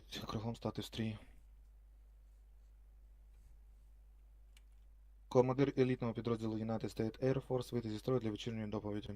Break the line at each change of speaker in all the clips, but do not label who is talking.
Кругом стати в стрій. Командир елітного підрозділу United States Air Force вийти зі строю для вечірньої доповіді.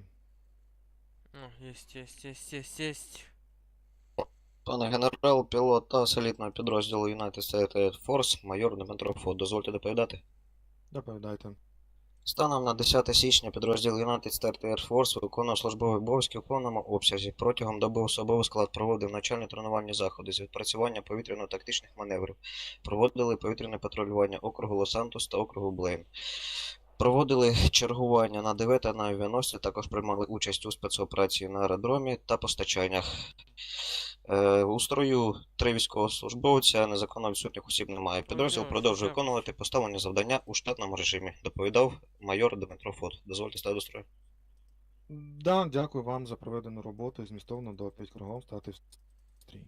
Єсть.
Пане генерал, пілот АС елітного підрозділу United States Air Force, майор Дмитро Фот. Дозвольте доповідати.
Доповідайте.
Станом на 10 січня підрозділ United States Air Force виконував службові обов'язки у повному обсязі. Протягом доби особовий склад проводив навчальні тренувальні заходи з відпрацювання повітряно-тактичних маневрів. Проводили повітряне патрулювання округу Лос-Сантос та округу Блейн. Проводили чергування на ДВ та на авіаносці, також приймали участь у спецоперації на аеродромі та постачаннях. У строю 3 військовослужбовця, незаконно відсутніх осіб немає. Підрозділ продовжує виконувати поставлені завдання у штатному режимі, доповідав майор Дмитро Фот. Дозвольте стати до строю.
Да, дякую вам за проведену роботу і змістовну доповідь. Кругом стати в стрій.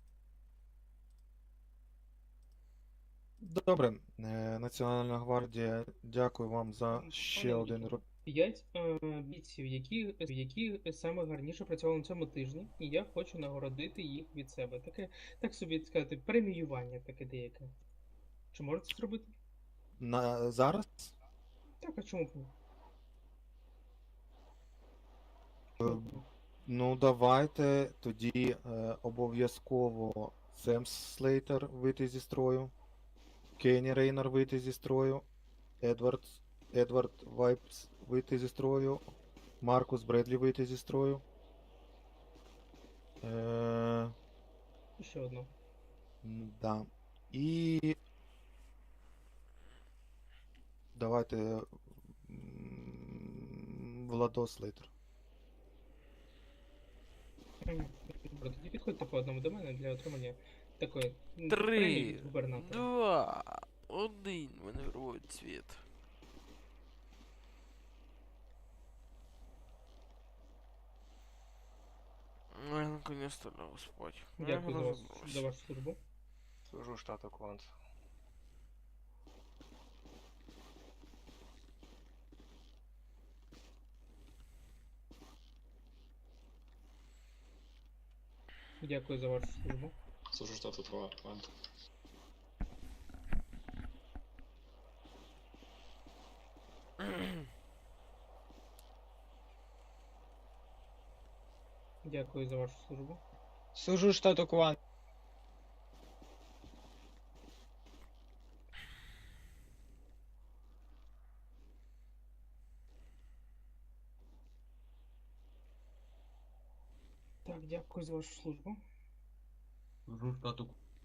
Добре, Національна гвардія, дякую вам за ще один
5 бійців, які саме гарніше працювали на цьому тижні, і я хочу нагородити їх від себе. Таке, так собі сказати, преміювання таке деяке. Чи можете це зробити?
Зараз?
Так, а чому б ні?
Ну, давайте тоді обов'язково Сем Слейтер вийти зі строю, Кенні Рейнер вийти зі строю, Едвард Вайпс вийти зі строю, Маркус Бредлі вийти зі строю.
Ще одну.
Да. І давайте Владос Слейтер.
Добре, тоді підходьте по одному до мене для отримання такої
3,
премії від губернатора.
2, 1, маневровий цвіт. Ой, наконец-то лягу спать.
Дякую за вашу службу.
Служу штату Квант.
Дякую за вашу службу.
Служу штату Квант.
Дякую за вашу службу.
Служу штату Квант.
Так, дякую за вашу службу.
Служу штату.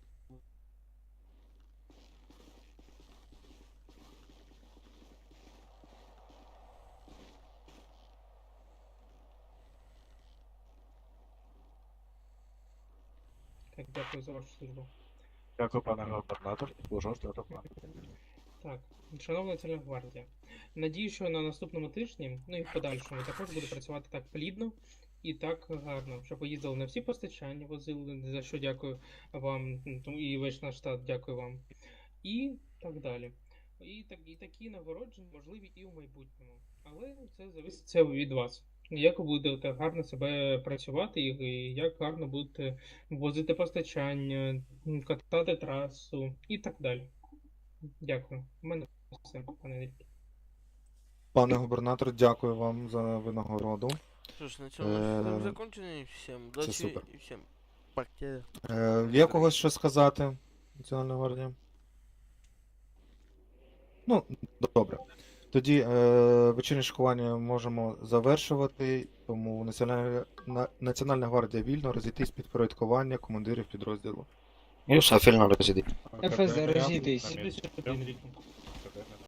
Так, дякую за вашу службу.
Дякую, пане губернатор. Служу штату Квант.
Так, шановна Національна гвардія, надію, що на наступному тижні, ну і в подальшому, також буду працювати так плідно і так гарно, щоб ви їздили на всі постачання, возили, за що дякую вам, і весь наш штат дякую вам. І так далі. І такі нагородження можливі і в майбутньому. Але це зависить від вас. Як ви будете гарно себе працювати, і як гарно будете возити постачання, катати трасу і так далі. Дякую. У мене все, пане Вільки.
Пане губернатор, дякую вам за винагороду.
Что ж, на цьому закончено. Всем удачи
супер.
и всем пока.
Є когось що сказати, Національна гвардія? Ну, добре. Тоді вечірнє шокування можемо завершувати, тому Національна гвардія вільно розійтись під порядкування командирів підрозділу.
І все, фільно розійдіть.
ФС, розійтись.
Іди сюди, Вілько.